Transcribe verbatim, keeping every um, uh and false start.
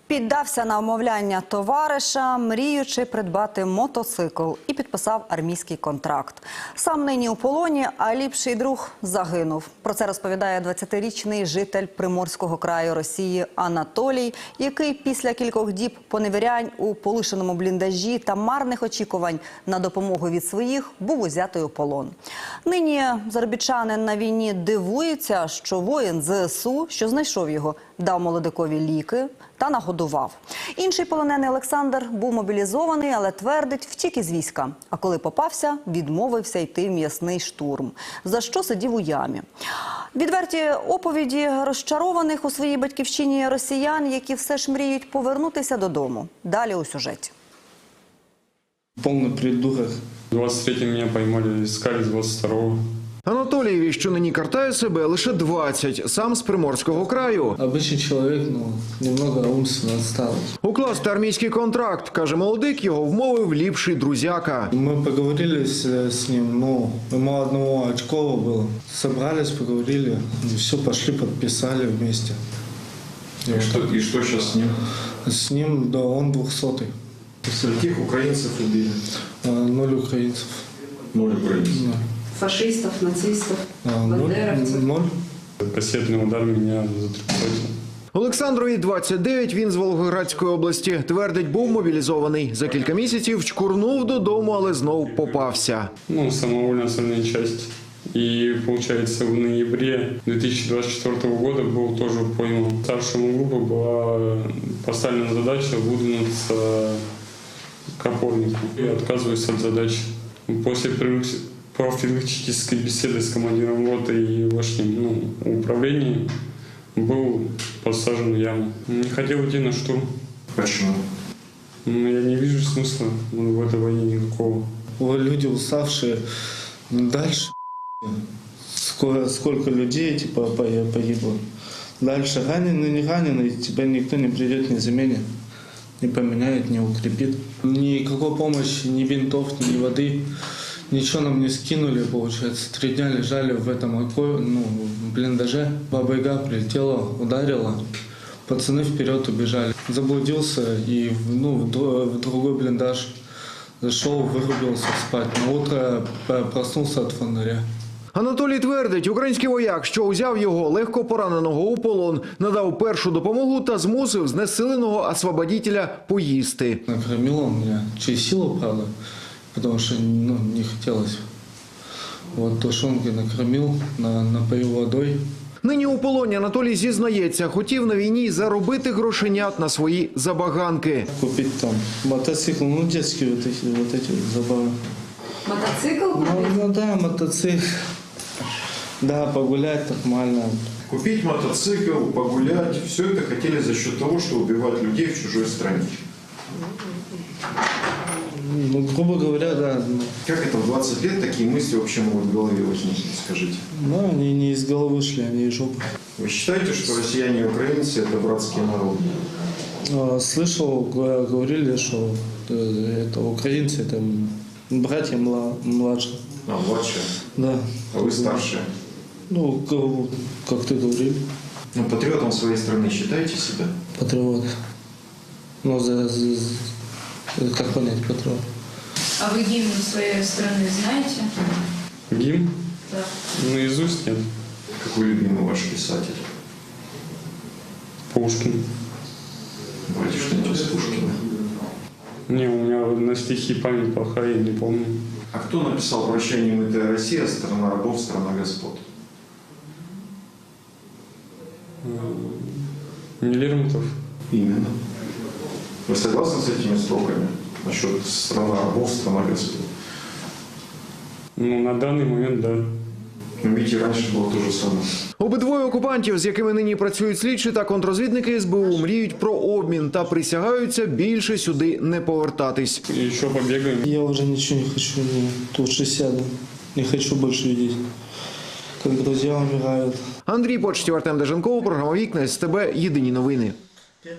Піддався на вмовляння товариша, мріючи придбати мотоцикл, і підписав армійський контракт. Сам нині у полоні, а ліпший друг загинув. Про це розповідає двадцятирічний житель Приморського краю Росії Анатолій, який після кількох діб поневірянь у полишеному бліндажі та марних очікувань на допомогу від своїх був узятий у полон. Нині заробітчанин на війні дивується, що воїн ЗСУ, що знайшов його, дав молодикові ліки та нагодував. Інший полонений Олександр був мобілізований, але твердить, втік із війська. А коли попався, відмовився йти в м'ясний штурм, за що сидів у ямі. Відверті оповіді розчарованих у своїй батьківщині росіян, які все ж мріють повернутися додому. Далі у сюжеті. Повний придурок. двадцять третього меня поймали, искали с двадцять второго. Анатолієві, що нині картає себе, лише двадцять, сам з Приморського краю. Обичний чоловік, ну, немного умственно відсталий. Укласти армійський контракт, каже молодик, його вмовив ліпший друзяка. Ми поговорили з, з ним, ну, йому одного очково було. Собрались, поговорили, і все, пошли, підписали вместе. И что, и что сейчас с ним? С ним, да, он двухсотый. Скольких украинцев убили? Ноль українців. Ноль украинцев. Да. Фашистов, нацистов, А, бандеровцев. Ноль. Кассетный удар меня затрепетил. Олександрові двадцять дев'ять, він з Волгоградської області. Твердить, був мобілізований. За кілька місяців чкурнув додому, але знов попався. Ну, самовольная остальная часть. И, получается, в ноябре две тысячи двадцать четвёртого года был тоже пойман. Старшему группы была поставлена задача выдвинуться к опорнику. Я отказываюсь от задачи. После профилактической беседы с командиром роты и вошним ну, управлением был посажен в яму. Не хотел идти на штурм. Почему? Ну, я не вижу смысла в этой войне никакого. Люди уставшие. Дальше сколько, сколько людей типа погибло. Дальше раненый, не раненый, тебя никто не придет, не заменит, не поменяет, не укрепит. Никакой помощи, ни винтов, ни воды. Ничего нам не скинули, получается. Три дня лежали в этом ну, блиндаже. Баба-Яга прилетела, ударила. Пацаны вперед убежали. Заблудился и ну, в другой блиндаж зашел, вырубился спать. На утро проснулся от фонаря. Анатолій твердить, український вояк, що узяв його легко пораненого у полон, надав першу допомогу та змусив знесиленого освободителя поїсти. Накормил он меня через силу, правда, потому что ну, не хотелось. Вот тушенкой накормил, на, напоил водой. Нині у полоні Анатолій зізнається, хотів на війні заробити грошенят на свої забаганки. Купить там мотоцикл, ну детские вот эти, вот эти забавы. Мотоцикл Ну, купить? ну да, мотоцикл. Да, погулять нормально. Купить мотоцикл, погулять. Все это хотели за счет того, что убивать людей в чужой стране. Ну, грубо говоря, да. Как это в двадцать лет такие мысли вообще могут в голове возникнуть, скажите? Ну, они не из головы шли, они из жопы. Вы считаете, что россияне и украинцы – это братские народы? А, Слышал, г- говорили, что э, это украинцы, это братья мла- младшие. А, младшие. Да. А вы старшие. Ну, к- как ты говорил, Ну, патриотом своей страны считаете себя? патриот. Ну, за, за- за- как понять патриот? А вы гимн своей страны знаете? Гимн? Да. Наизусть нет. Какой любимый ваш писатель? Пушкин. Давайте что-нибудь из Пушкина. Не, у меня на стихи память плохая, я не помню. А кто написал «Прощай, немытая Россия, страна рабов, страна господ»? Не Лермонтов. Именно. Вы согласны с этими строками насчет «страна рабов, страна господ»? Ну, на данный момент, да. Но видите, раньше было то же самое. Обидвоє окупантів, з якими нині працюють слідчі та контрозвідники ес бе у, мріють про обмін та присягаються більше сюди не повертатись. И еще побегаем. Я уже ничего не хочу, не, лучше сяду. Не хочу больше видеть, как друзья умирают. Андрій Почтів, Артем Деженков, програма «Вікна», ес те бе, єдині новини.